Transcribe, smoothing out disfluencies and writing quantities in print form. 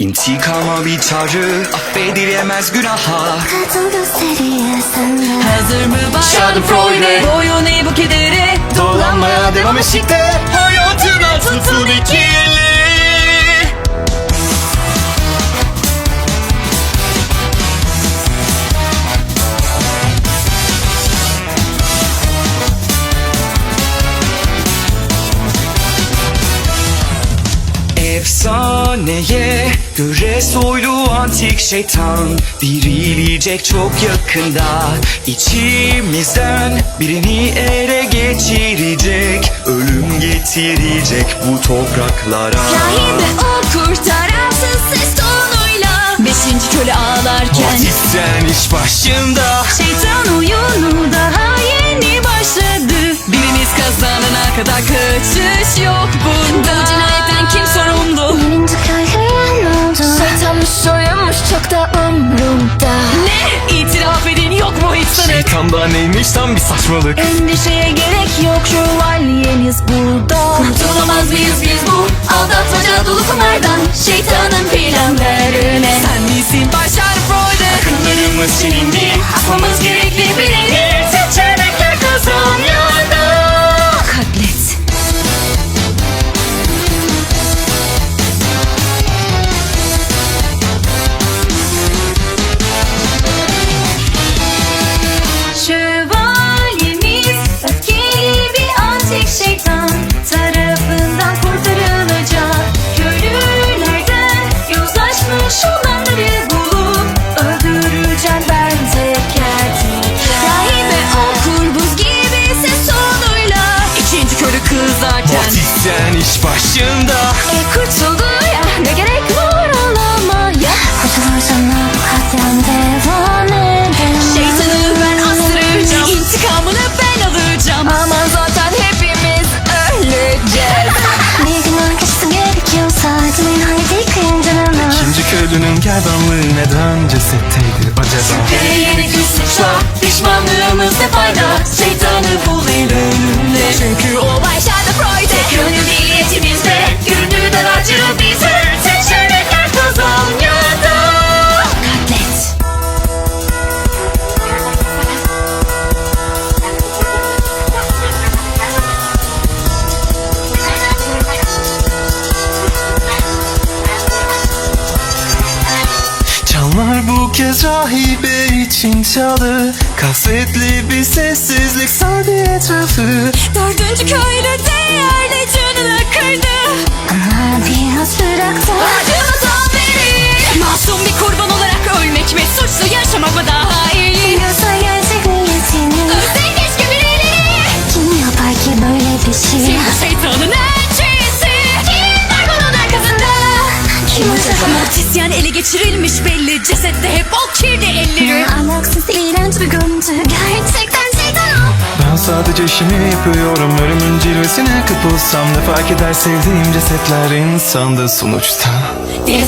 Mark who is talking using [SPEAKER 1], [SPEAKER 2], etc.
[SPEAKER 1] İntikama bir çağrı, affedilemez günaha.
[SPEAKER 2] Kadın gösteriyor senden.
[SPEAKER 3] Hazır mı bayan
[SPEAKER 1] Schadenfreude?
[SPEAKER 3] Boyun eğ bu kedere.
[SPEAKER 1] Dolanmaya devam eşikte. Hayatına tutun ikili. Efsaneye göre soylu antik şeytan dirilecek çok yakında. İçimizden birini ele geçirecek, ölüm getirecek bu topraklara.
[SPEAKER 3] Rahibe o kurtaransız ses tonuyla. Beşinci köle ağlarken
[SPEAKER 1] Batisten iş başında.
[SPEAKER 3] şeytan oyunu daha yeni başladı. Biriniz kazanana kadar kaçış yok bunda. Bu cinayetten kim sorumlu?
[SPEAKER 2] Birinci köylüye ne oldu? Şeytanmış soyunmuş çok da umrumda.
[SPEAKER 3] Ne? İtiraf edin, yok mu hiç sanık?
[SPEAKER 1] Şeytanda neymiş tam bir saçmalık.
[SPEAKER 3] Endişeye gerek yok, şövalyeniz burada. Kurtulamaz mıyız biz bu aldatmaca dolu kumardan? Şeytanın planlarına sen misin başar Freud'e?
[SPEAKER 1] Akıllarımız silindi,
[SPEAKER 3] Asmamız gerekli bileni.
[SPEAKER 1] seçenekler kazanıyordu.
[SPEAKER 3] Katlet. Şövalyemiz öfkeli bir antik şeytan tarafından kurtarılacak. Köylülerden yozlaşmış olanları bulup öldüreceğim ben teker teker. Rahibe okur buz gibi ses tonuyla. İkinci köylü kızarken
[SPEAKER 1] Batisten iş başında.
[SPEAKER 3] kurtuldu ya, ne gerek var ağlamaya.
[SPEAKER 2] Kurtulursan bu katliam devam edemez.
[SPEAKER 3] Şeytanı ben astıracağım, intikamını ben alacağım. Aman zaten hepimiz öleceğiz.
[SPEAKER 2] Bir gün arkası gerekiyorsa acımayın haydi kıyıncanına.
[SPEAKER 1] İkinci köylünün gerdanlığı neden cesetteydi acaba?
[SPEAKER 3] Ve yeni bir suçla pişmanlığımız ne fayda? Şeytanı bul el önünde. Çünkü o başlarda Freud'e. Gönül niyetimizde, gönlüden acı bize. Seçenekler kazan ya da katlet.
[SPEAKER 1] Çanlar bu kez rahibe için çaldı. Kasvetli bir sessizlik sardı etrafı.
[SPEAKER 3] Dördüncü köylü değerli canını kırdı.
[SPEAKER 2] Ama biraz bıraktım.
[SPEAKER 3] Acımızdan beri masum bir kurban olarak ölmek ve suçlu yaşamak mı daha iyi?
[SPEAKER 2] Biliyorsa gerçek niyetini.
[SPEAKER 3] Ölsen keşke birileri.
[SPEAKER 2] Kim yapar ki böyle bir şey?
[SPEAKER 3] Kim bu şeytanın elçisi? Kim var bunun arkasında?
[SPEAKER 2] Kim acaba?
[SPEAKER 3] Mortisyen ele geçirilmiş belli. Cesette hep o kirli elleri.
[SPEAKER 2] Alaksız iğrenç bir görüntü. Gerçekten şeytan o.
[SPEAKER 1] Ben sadece işimi yapıyorum. Ölümün cilvesine kapılsam ne fark eder sevdiğim cesetler insanda sonuçta.
[SPEAKER 3] Deli